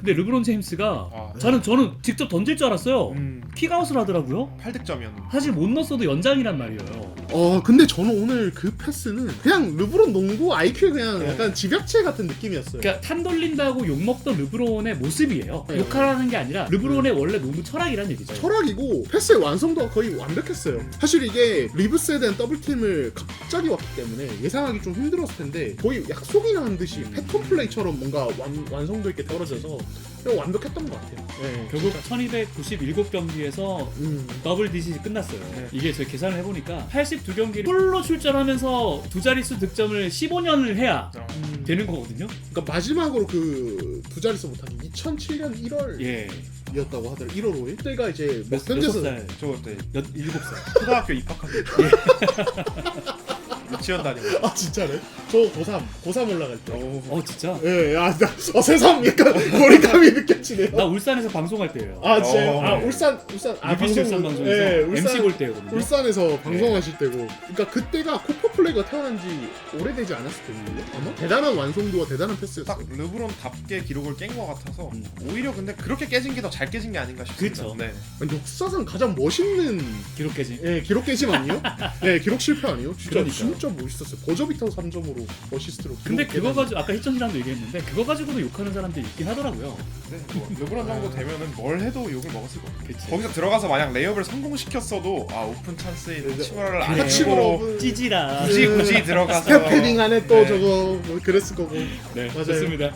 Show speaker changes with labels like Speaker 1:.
Speaker 1: 근데 르브론 제임스가
Speaker 2: 네.
Speaker 1: 저는 직접 던질 줄 알았어요. 킥아웃을 하더라고요.
Speaker 2: 8득점이었는데.
Speaker 1: 사실 못 넣었어도 연장이란 말이에요.
Speaker 3: 근데 저는 오늘 그 패스는 그냥 르브론 농구 IQ의 그냥
Speaker 2: 네.
Speaker 3: 약간 집약체 같은 느낌이었어요.
Speaker 1: 그러니까 탄 돌린다고 욕먹던 르브론의 모습이에요.
Speaker 3: 네.
Speaker 1: 욕하라는 게 아니라 르브론의 원래 농구 철학이란 얘기죠.
Speaker 3: 철학이고 패스의 완성도가 거의 완벽했어요. 사실 이게 리브스에 대한 더블팀을 갑자기 왔기 때문에 예상하기 좀 힘들었을 텐데 거의 약속이나 한 듯이 패턴 플레이처럼 뭔가 완성도 있게 떨어져서 완벽했던 것 같아요. 네.
Speaker 1: 결국 1297경기에서 더블 디짓이 끝났어요.
Speaker 2: 네.
Speaker 1: 이게 제가 계산을 해보니까 82경기를 풀로 출전하면서 두 자릿수 득점을 15년을 해야 되는 거거든요.
Speaker 3: 그러니까 마지막으로 그 두 자릿수 못한 게 2007년 1월이었다고
Speaker 1: 예.
Speaker 3: 하더라고요. 1월 5일. 그때가 이제 뭐
Speaker 1: 몇
Speaker 3: 현재서
Speaker 1: 살?
Speaker 2: 저 그때
Speaker 1: 7살.
Speaker 2: 초등학교 입학한 때. 유치원 다니고.
Speaker 3: 아 진짜네? 저 고3 올라갈 때.
Speaker 1: 진짜?
Speaker 3: 예, 새삼 약간 거리감이 느껴지네요.
Speaker 1: 나 울산에서 방송할 때예요.
Speaker 3: 아 진짜.
Speaker 2: 어.
Speaker 3: 울산
Speaker 1: UBC 울산 방송에서
Speaker 3: 예,
Speaker 1: MC 볼 때거든요.
Speaker 3: 울산에서 방송하실 때고. 그러니까 그때가 코퍼 플레이가 태어난 지 오래되지 않았을 텐데 아마 대단한 완성도와 대단한 패스였어요.
Speaker 2: 딱 르브론답게 기록을 깬 것 같아서 오히려 근데 그렇게 깨진 게 더 잘 깨진 게 아닌가 싶습니다.
Speaker 1: 그쵸.
Speaker 2: 네.
Speaker 3: 아니, 역사상 가장 멋있는
Speaker 1: 기록 깨진.
Speaker 3: 기록 깨짐 아니에요? 네, 기록 실패 아니에요?
Speaker 1: 그러니까요.
Speaker 3: 진짜 멋있었어요. 버저비터 3점으로 어시스트로.
Speaker 1: 근데
Speaker 3: 기록
Speaker 1: 그거
Speaker 3: 깨는.
Speaker 1: 가지고 아까 희천이랑도 얘기했는데 그거 가지고도 욕하는 사람들이 있긴 하더라고요.
Speaker 2: 네, 뭐 르브론 정도 되면은 뭘 해도 욕을 먹었을 거예요.
Speaker 1: 그치.
Speaker 2: 거기서 들어가서 만약 레이업을 성공시켰어도 오픈 찬스에 있는 치머라를 안
Speaker 3: 하치무로
Speaker 2: 해주고
Speaker 1: 찌지라.
Speaker 2: 굳이 들어가서
Speaker 3: 스텝 패딩 안에 또
Speaker 2: 네.
Speaker 3: 저거 뭐 그랬을 거고.
Speaker 1: 네,
Speaker 3: 맞아요.
Speaker 1: 좋습니다.